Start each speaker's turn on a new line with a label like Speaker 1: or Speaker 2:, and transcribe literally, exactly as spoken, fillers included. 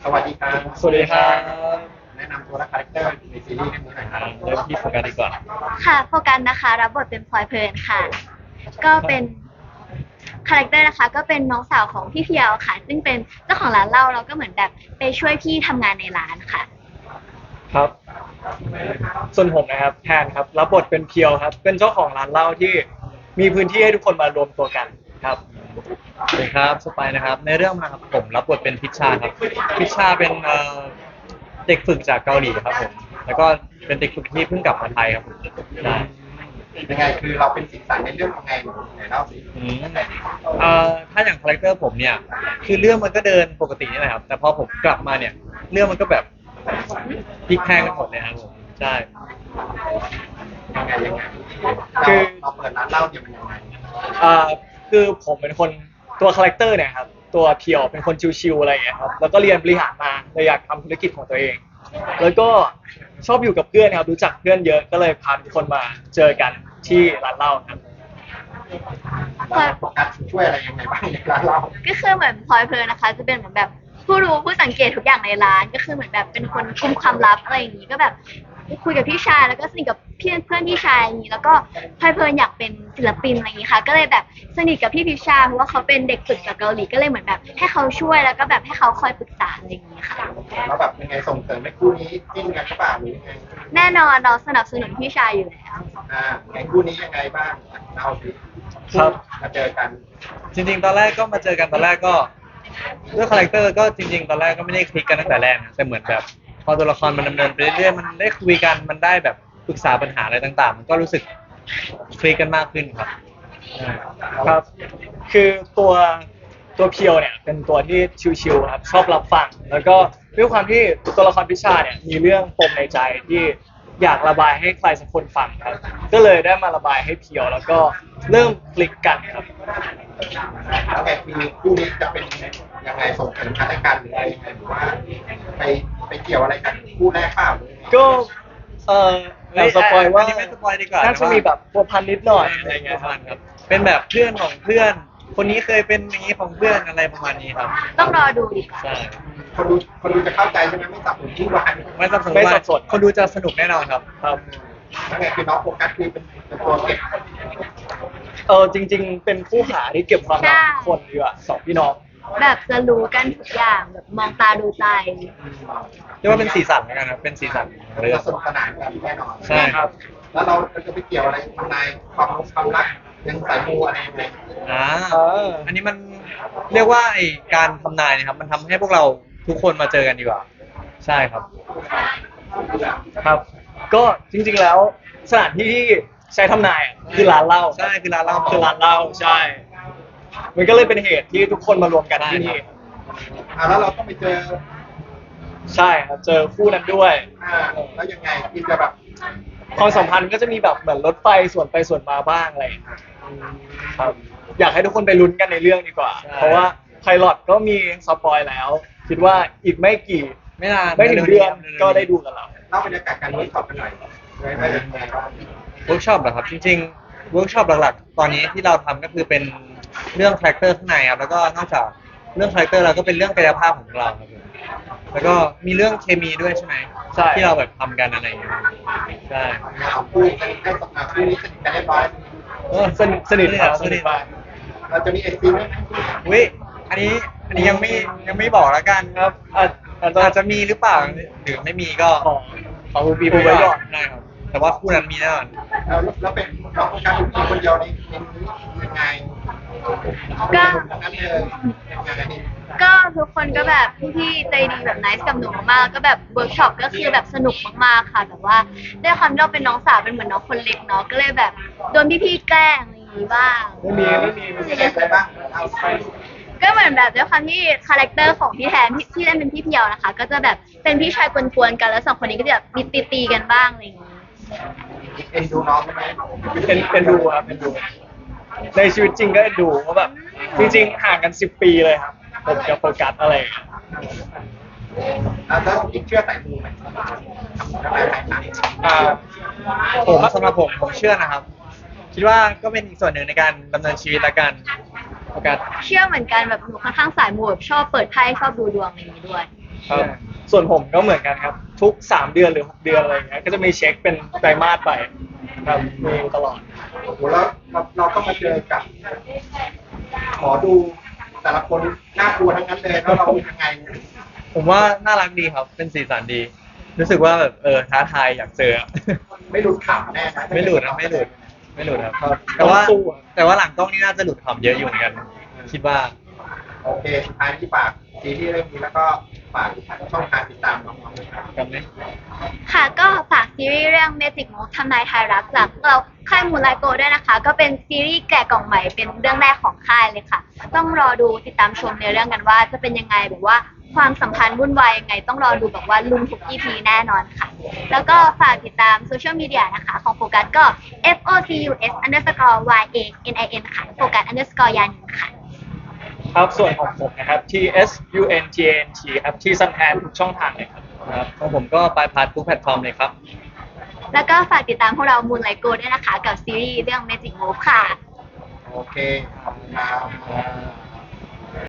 Speaker 1: สวัสดีครับ
Speaker 2: สวัสดีครับ
Speaker 1: แนะนำตัวและคาแรคเตอร์ในซีรีส์เรื่องนี้หน่อยครับ
Speaker 2: เริ่มที่โฟกัสดีกว่า
Speaker 3: ค่ะโฟกัสนะคะรับบทเป็นพลอยเพลินค่ะก็เป็นคาแรคเตอร์นะคะก็เป็นน้องสาวของพี่เพียวค่ะซึ่งเป็นเจ้าของร้านเหล้าแล้วก็เหมือนแบบไปช่วยพี่ทำงานในร้านค่ะ
Speaker 2: ครับส่วนผมนะครับแทนครับรับบทเป็นเพียวครับเป็นเจ้าของร้านเหล้าที่มีพื้นที่ให้ทุกคนมารวมตัวกันครับ
Speaker 4: สวัสดีครับสไปนะครับในเรื่องนะครับผมรับบทเป็นพิชชาครับพิชชาเป็นเอ่อเด็กฝึกจากเกาหลีครับผมแล้วก็เป็นเด็กฝึกที่เพิ่งกลับมาไทยครับผมใช่
Speaker 1: ยังไงคือเราเป็นสีสันในเรื่องยังไงไหนเล่าสิ
Speaker 4: อืมเอ่อถ้าอย่างคาแรคเตอร์ผมเนี่ยคือเรื่องมันก็เดินปกตินี่แหละครับแต่พอผมกลับมาเนี่ยเรื่องมันก็แบบพลิกแพลงกันหมดเลยครับผมใช่
Speaker 1: ยังไงยังไง
Speaker 2: คือ
Speaker 1: เราเปิดร้านเหล้าเนี่ยมันยังไง
Speaker 2: อ่าคือผมเป็นคนตัวคาแรคเตอร์เนี่ยครับตัวเพียวเป็นคนชิวๆอะไรอย่างเงี้ยครับแล้วก็เรียนบริหารมาเลยอยากทำธุรกิจของตัวเองแล้วก็ชอบอยู่กับเพื่อนครับรู้จักเพื่อนเยอะก็เลยพาทุกคนมาเจอกันที่ร้านเหล้าครับ
Speaker 1: เราโฟกัสช่วยอะไรยังไงบ้างในร้านเหล้า
Speaker 3: ก็คือเหมือนพลอยเพลินนะคะจะเป็นเหมือนแบบผู้รู้ผู้สังเกตทุกอย่างในร้านก็คือเหมือนแบบเป็นคนคุมความลับอะไรอย่างนี้ก็แบบคุยกับพี่ชายแล้วก็สนิทกับเพื่อนเพื่อนพี่ชายอย่างนี้แล้วก็พลอยเพลินอยากเป็นศิลปินอะไรอย่างนี้ค่ะก็เลยแบบสนิทกับพี่พิชชาเพราะว่าเขาเป็นเด็กฝึกจากเกาหลีก็เลยเหมือนแบบให้เขาช่วยแล้วก็แบบให้เขาคอยปรึกษาอะไรอย่างนี้ค่ะ
Speaker 1: แล้วแบบยังไงส่งเสริมให้คู่นี้จิ้นกันหรือเปล่าหรือยังไง
Speaker 3: แน่นอนเราสนับสนุนพี่ชายอยู่แล้ว
Speaker 1: อ่าไงคู่นี้ยังไงบ้างเล่าสิ
Speaker 4: ครับ
Speaker 1: มาเจอกัน
Speaker 4: จริงๆตอนแรกก็มาเจอกันตอนแรกก็ด้วยคาแรคเตอร์ก็จริงๆตอนแรกก็ไม่ได้คลิกกันตั้งแต่แรกนะแต่เหมือนแบบพอตัวละครมันดำเนินไปเรื่อยๆมันได้คุยกันมันได้แบบปรึกษาปัญหาอะไรต่างๆมันก็รู้สึกคลิกกันมากขึ้นครับ
Speaker 2: ครับคือตัวตัวเพียวเนี่ยเป็นตัวที่ชิวๆครับชอบรับฟังแล้วก็ด้วยความที่ตัวละครพิชาเนี่ยมีเรื่องปมในใจที่อยากระบายให้ใครสักคนฟังครับก็เลยได้มาระบายให้เพียวแล้วก็เริ่มคลิกกันครับ
Speaker 1: แล้วไงคือคู่นี้จะเป็นยังไงส่งเสริมกันและกันหรืออะไรยังไงหรือว่าไปไปเกี่ยวอะไรกันคู่แรกเปล่าหรือยังไง
Speaker 2: ก็เออเราสปอยว่า
Speaker 4: ไม่สปอยดีกว่า
Speaker 2: น่าจะมีแบบพัวพันนิดหน่อยอะไรเงี้ยครับ
Speaker 4: ครับเป็นแบบเพื่อนของเพื่อนคนนี้เคยเป็นอย่างนี้ของเพื่อนอะไรประมาณนี้ครับ
Speaker 3: ต้องรอดูดีกว่า
Speaker 4: ใช่
Speaker 1: คนดูคนดูจะเข้าใจใช่ไหมไม่สับสนที่วาน
Speaker 4: ไม่สับสนไม่สับสนคนดูจะสนุกแน่นอนครับ
Speaker 2: ครับ
Speaker 1: แล้วไงคือน้องโฟกัสคือเป็นเป็นตัวเก็บ
Speaker 2: เออจริงๆเป็นคู่หาที่เก็บความลับทุกคนดีกว่าสองพี่น้อง
Speaker 3: แบบจะรู้กันทุกอย่างแบบมองตาดูใจ
Speaker 4: เรียกว่าเป็นสีสันแล้วกันครับเป็นสีสันเรื่อง
Speaker 1: สนุกสนานกันแน่นอน
Speaker 4: ใช่ครับ
Speaker 1: แล้วเราจะไปเกี่ยวอะไรทำนายความความรักยังสายมูอะไรยังไง
Speaker 4: อ่าอันนี้มันเรียกว่าไอการทำนายนะครับมันทำให้พวกเราทุกคนมาเจอกันดีกว่าใช่ครับ
Speaker 2: ครับก็จริงๆแล้วสถานที่ที่ใช้ทำนายคือร้านเหล้า
Speaker 4: ใช่คือร้านเหล้า
Speaker 2: คือร้านเหล้าใช่มันก็เลยเป็นเหตุที่ทุกคนมารวมกันที่นี่
Speaker 1: อ่าแล้วเราต้องไปเจอ
Speaker 2: ใช่ครับเจอคู่นั้นด้วย
Speaker 1: อ่าแล้วยังไงที่จะแบบ
Speaker 2: ความสัมพันธ์ก็จะมีแบบเหมือนรถไฟส่วนไปส่วนมาบ้างอะไรครับอยากให้ทุกคนไปลุ้นกันในเรื่องดีกว่าเพราะว่าไพลอตก็มีสปอยแล้วคิดว่าอีกไม่กี่
Speaker 4: ไม่นาน
Speaker 2: ไม่ถึงเดือนก็ได้ดูกันแล้ว
Speaker 1: เล่าบรรยากาศการเวิร์กช็อปกันหน่อยได้ได้ยังไงบ้าง
Speaker 4: เวิร์กช็อปเหรอครับจริงๆเวิร์กช็อปหลักๆตอนนี้ที่เราทำก็คือเป็นเรื่องคาแรคเตอร์ข้างในครับแล้วก็นอกจากเรื่องคาแรคเตอร์เราก็เป็นเรื่องกายภาพของเราครับแล้วก็มีเรื่องเคมีด้วยใช่ไหม
Speaker 2: ใช่
Speaker 4: ที่เราแบบทำกันอะไรอย่างเงี้ยใช่
Speaker 1: คู่ให้ให้สมาคู่นี้สนิทกันเรียบร้อย
Speaker 2: เออสนิทสนิทครับสนิทมาก
Speaker 1: เราจะมีเอ็กซ์ซีไหม
Speaker 4: วิอันนี้อันนี้ยังไม่ยังไม่บอกแล้วกันครับอาจอาจจะมีหรือเปล่าหรือไม่มีก็
Speaker 2: ขอขอบีบไว้ก่อน
Speaker 4: ได้ครับแต่ว่าคู่นั้นมีแน่นอน
Speaker 1: แล้วแล้วเป็นน้องการเป็นคนเดียวในในนี้ยังไง
Speaker 3: ก็
Speaker 1: นั้นเลยยังไง
Speaker 3: ก็ทุกคนก็แบบพี่ๆใจดีแบบไนซ์กับหนูมากก็แบบเวิร์กช็อปก็คือแบบสนุกมากๆค่ะแต่ว่าด้วยความที่เราเป็นน้องสาวเป็นเหมือนน้องคนเล็กเนาะก็เลยแบบโดนพี่ๆแกล้งอะไรอย่างนี้บ้าง
Speaker 2: ไม่มีไม่มีไม่มี
Speaker 1: อะไรบ้างเอาไป
Speaker 3: ก็เหมือนแบบด้วยความที่คาแรคเตอร์ของพี่แทนที่ที่เล่นเป็นพี่เพียวนะคะก็จะแบบเป็นพี่ชายกวนๆกันแล้วสองคนนี้ก็จะแบบมีตีๆกันบ้างอะไรอย่างนี้
Speaker 1: เอ็นดูน้องใช่ไหม
Speaker 2: เอ็นเอ็นดูครับเอ็นดูในชีวิตจริงก็เอ็นดูเพราะแบบจริงๆห่างกันสิบปีเลยครับผมกับโฟกัสอะไร
Speaker 1: แล้วยิ่งเชื่อสายมูไหม
Speaker 4: อ่าผมสำหรับผมผมเชื่อนะครับคิดว่าก็เป็นอีกส่วนหนึ่งในการดำเนินชีวิตละกัน
Speaker 3: โฟกัสเชื่อเหมือนกันแบบหนูค่อนข้างสายมูแบบชอบเปิดไพ่ชอบดูดวงอะไรอย่างนี้ด้วย
Speaker 2: ครับส่วนผมก็เหมือนกันครับ ทุกสามเดือนหรือหกเดือนอะไรอย่างเงี้ยก็จะมีเช็คเป็นไตรมาสไปครับมีตลอด
Speaker 1: โอ้โหแล้วเราเราต้องมาเจอกับขอดูแต่ละคนน่ากลัวทั้งนั้นเลยแล้วเรายังไง
Speaker 4: ผมว่าน่ารักดีครับ เป็นสีสันดี รู้สึกว่าแบบเออท้าทายอยากเจอ
Speaker 1: ไม่หลุดขำแน่นะ
Speaker 4: ไม่หลุดนะไม่หลุด ไม่หลุดครับ
Speaker 2: ครับ
Speaker 4: แต่ว่า
Speaker 2: ต้องสู้อะ
Speaker 4: แต่ว่าหลังกล้องนี่น่าจะหลุดขำเยอะอยู่เหมือนกัน คิดว่า
Speaker 1: โอเคสุดท้ายที่ฝากซีรีส์เรื่องนี้แล้วก็ฝากช่องทางติดตามน้องๆด้วยครับ
Speaker 4: กันไหม
Speaker 3: ค่ะก็ฝากซีรีส์เรื่อง Magic Move ทำนายทายรักจากเราค่ายมูนไลโกด้วยนะคะ ก็เป็นซีรีส์แกะกล่องใหม่เป็นเรื่องแรกของค่ายเลยค่ะ ต้องรอดูติดตามชมในเรื่องกันว่าจะเป็นยังไงแบบว่าความสัมพันธ์วุ่นวายยังไง ต้องรอดูแบบว่าลุมทุก อี พี แน่นอนค่ะ แล้วก็ฝากติดตามโซเชียลมีเดียนะคะของโฟกัสก็ F O C U S underscore Y A N I N ค่ะโฟกัส underscore ยานินค่ะ
Speaker 2: ครับส่วนของผมนะครับ T S U N G A N T ครับที่ซันแทนทุกช่องทางเลยครับ
Speaker 4: ครับของผมก็ไปพาร์ททุกแพลตฟอร์มเลยครับ
Speaker 3: แล้วก็ฝากติดตามพวกเรามูนไลโกด้วยนะคะ กับซีรีส์เรื่อง Magic Move ค่ะ
Speaker 1: โอเคขอบคุณครับ